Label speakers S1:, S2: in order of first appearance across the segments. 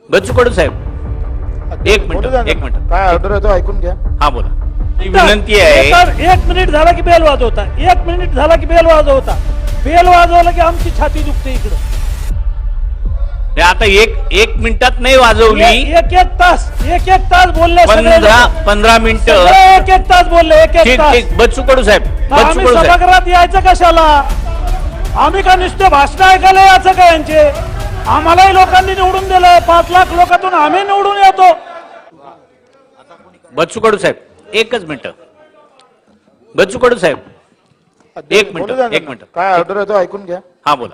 S1: बच्चू कडू साहेब एक मिनिट
S2: काय ऑर्डर आहे तो ऐकून घ्या.
S1: हा बोला. ही विनंती आहे.
S3: एक मिनिट झाला की बेल वाजवता, एक मिनिट झाला की बेल वाजवता, बेल वाजवला की आमची छाती दुखते इकडं.
S1: हे आता एक मिनिटात नाही वाजवली.
S3: एक तास बोलले सगळे लोक.
S1: 15 मिनिटं
S3: सगळे एक तास बोलले, एक
S1: ठीक
S3: तास.
S1: ठीक. बच्चू कडू साहेब, बच्चू
S3: आम्ही
S1: कडू साहेब
S3: सभागृहात यायचं कशाला? आम्ही का नुसते भाषण ऐकायला यायचं का यांचे? आम्हालाही लोकांनी निवडून दिलं. 5 लाख लोकांतून आम्ही निवडून येतो.
S1: बच्चू कडू साहेब एकच मिनिट. बच्चू कडू साहेब एक मिनिट.
S2: काय ऑर्डर आहे तो ऐकून घ्या.
S1: हा बोला.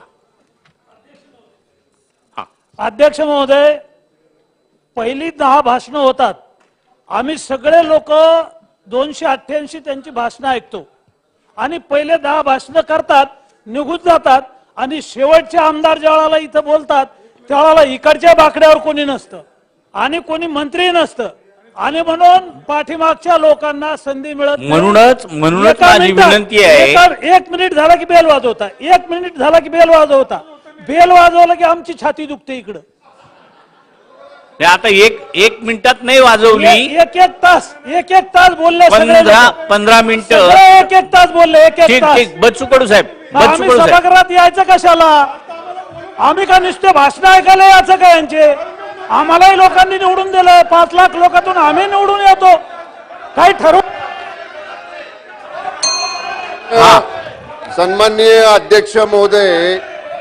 S3: अध्यक्ष महोदय, पहिली 10 भाषणं होतात. आम्ही सगळे लोक 288 त्यांची भाषणं ऐकतो आणि पहिले 10 भाषणं करतात, निघून जातात आणि शेवटचे आमदार ज्यावेळेला इथं बोलतात त्यावेळेला इकडच्या बाकड्यावर कोणी नसतं आणि कोणी मंत्री नसतं आणि म्हणून पाठीमागच्या लोकांना संधी मिळत नाही.
S1: म्हणूनच माझी विनंती आहे.
S3: एक मिनिट झाला की बेल वाजवता, एक मिनिट झाला की बेल वाजवता, बेल वाजवला की आमची छाती दुखते इकडं.
S1: हे आता एक मिनिटात नाही वाजवली.
S3: एक तास बोलले सगळे लोक.
S1: 15 मिनिटं
S3: एक तास बोलले, एक
S1: ठीक
S3: तास.
S1: ठीक. बच्चू कडू साहेब, बच्चू
S3: आम्ही
S1: कडू साहेब
S3: सभागृहात यायचं कशाला? आम्ही का नुसते भाषण ऐकायला यायचं का यांचे? आम्हालाही लोकांनी निवडून दिलं. 5 लाख लोकांतून आम्ही निवडून येतो. काही ठरवू.
S4: सन्माननीय अध्यक्ष महोदय,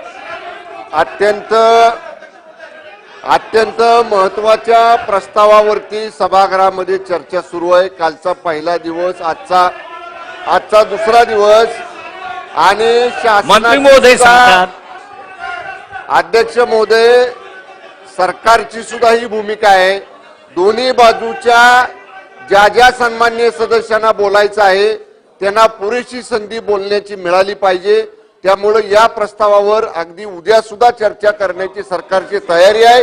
S4: अत्यंत महत्वाच्या प्रस्तावावरती सभागृहामध्ये चर्चा सुरू आहे. कालचा पहिला दिवस, आजचा दुसरा दिवस आणि
S1: मंत्री महोदय सांगतात.
S4: अध्यक्ष महोदय, सरकारची सुद्धा ही भूमिका आहे. दोन्ही बाजूच्या ज्या सन्माननीय सदस्यांना बोलायचं आहे त्यांना पुरेशी संधी बोलण्याची मिळाली पाहिजे. त्यामुळे या प्रस्तावावर अगदी उद्या सुद्धा चर्चा करण्याची सरकारची तयारी आहे.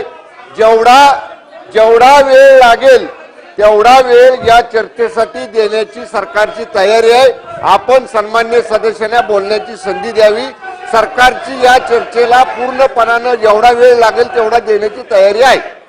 S4: जेवढा वेळ लागेल तेवढा वेळ या चर्चेसाठी देण्याची सरकारची तयारी आहे. आपण सन्माननीय सदस्यांना बोलण्याची संधी द्यावी. सरकारची या चर्चेला पूर्णपणानं जेवढा वेळ लागेल तेवढा देण्याची तयारी आहे.